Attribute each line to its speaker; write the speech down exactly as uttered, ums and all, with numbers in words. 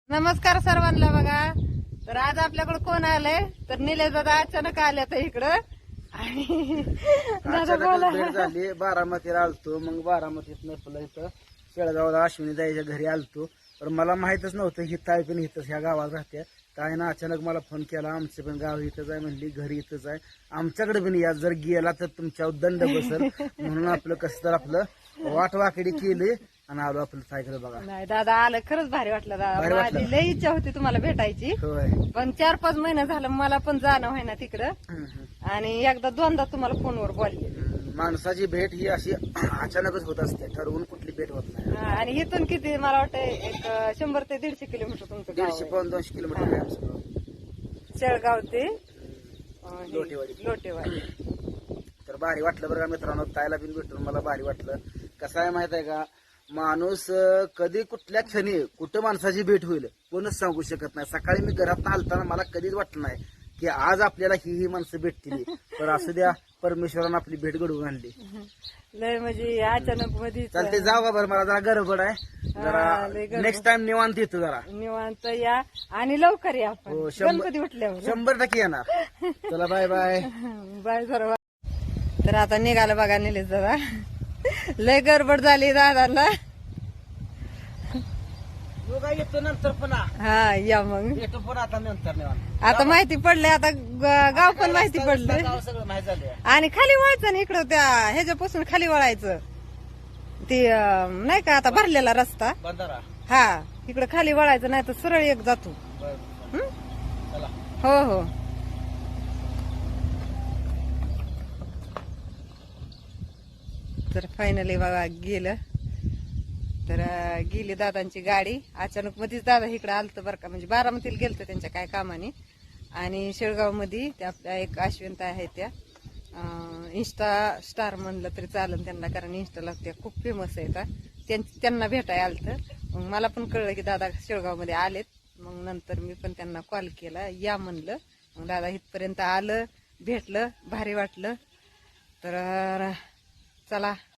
Speaker 1: नमस्कार सर्वांना. बघा तर आज आपल्याकडे कोण आलंय तर निलेश दादा अचानक आले तर इकडं आणि दादा बोला.
Speaker 2: अचानकच भेट झाली. बारामतीला आलतो, मग बारामतीत नसलं इथं शेळगावला अश्विनी ताईच्या घरी आलतो. तर मला माहितच नव्हतं ही ताई पण इथंच ह्या गावात राहते. ताईनं अचानक मला फोन केला, आमचं पण गाव इथंच आहे म्हणली, घरी इथंच आहे, आमच्याकडे पण या, जर गेला तर तुमच्यावर दंड बसल म्हणून आपलं कसं तर आपलं वाट वाकडी केली आणि आलो आपलं ताईकडे. बघा
Speaker 1: नाही दादा आलं, खरंच भारी वाटलं
Speaker 2: भारी
Speaker 1: दादा.
Speaker 2: वाटलं.
Speaker 1: माझी लई इच्छा होती तुम्हाला भेटायची,
Speaker 2: होय.
Speaker 1: पण चार पाच महिने झालं मला पण जाणं व्हायना तिकडं.
Speaker 2: हम्म, हम्म.
Speaker 1: आणि एकदा दोनदा तुम्हाला फोनवर बोलले.
Speaker 2: माणसाची भेट ही अशी अचानकच होत असते, ठरवून कुठली भेट होत नाही.
Speaker 1: हा, आणि इथून किती मला वाटतं एक शंभर ते दीडशे किलोमीटर तुमचं गाव
Speaker 2: दीडशे
Speaker 1: आहे.
Speaker 2: पाऊन दोनशे किलोमीटर आहे आमचं गाव.
Speaker 1: शेळगाव ते अं, हे,
Speaker 2: लोटेवाडी.
Speaker 1: लोटेवाडी.
Speaker 2: तर भारी वाटलं बरं का मित्रांनो, ताईला बिन भेटून मला भारी वाटलं. कसं आहे माहित आहे का, माणूस अं, कधी कुठल्या क्षणी कुठं माणसाची भेट होईल कोणच सांगू शकत नाही. सकाळी मी घरात आलताना मला कधीच वाटलं नाही की आज आपल्याला ही ही माणसं भेटतील. तर असू द्या, परमेश्वरानं आपली भेट घडवून आणली.
Speaker 1: लय म्हणजे अचानक मध्ये
Speaker 2: चालते, जाऊ का बरं, मला जरा गडबड आहे.
Speaker 1: हा, लय
Speaker 2: जरा
Speaker 1: गडबड.
Speaker 2: नेक्स्ट टाइम निवांत येतो जरा.
Speaker 1: निवांत या आणि लवकर या आपण
Speaker 2: हो, शंभर-
Speaker 1: गणपती उठल्यावर.
Speaker 2: शंभर टक्के येणार. चला, बाय बाय.
Speaker 1: बाय सर्व. तर आता निघालं बघा निलेश दादा. लय गडबड झाली दादाला.
Speaker 2: योगा येतो नंतर पुन्हा,
Speaker 1: हा या मग.
Speaker 2: येतो पुन्हा आता नंतर निवांत.
Speaker 1: आता माहिती पडले, आता ग- गाव पण माहिती पडलं.
Speaker 2: गाव सगळं माहिती झालं.
Speaker 1: आणि खाली वळायचं ना इकडं, त्या ह्याच्यापासून खाली वळायचं. ती अं, नाही का आता भरलेला रस्ता.
Speaker 2: बंधारा.
Speaker 1: हा, इकडं खाली वळायचं, नाही तर सरळ एक जातो.
Speaker 2: बरं.
Speaker 1: हं?
Speaker 2: चला.
Speaker 1: हो हो. तर फायनली बघा गेलं. तर अं, गेली दादांची गाडी. अचानक मध्येच दादा इकडे आलत बरं का, म्हणजे बारामतीला गेलत त्यांच्या काय कामाने. आणि शेळगाव मध्ये त्या आपल्या एक अश्विनता आहे, त्या अं, इन्स्टा स्टार म्हणलं तरी चालेल त्यांना, कारण इन्स्टाला त्या खूप फेमस आहेत. त्यां- त्यांना भेटाय आलत. मग मला पण कळलं की दादा शेळगाव मध्ये आलेत. मग नंतर मी पण त्यांना कॉल केला, या म्हणलं. मग दादा इथपर्यंत आलं, भेटलं, भारी वाटलं. तर चला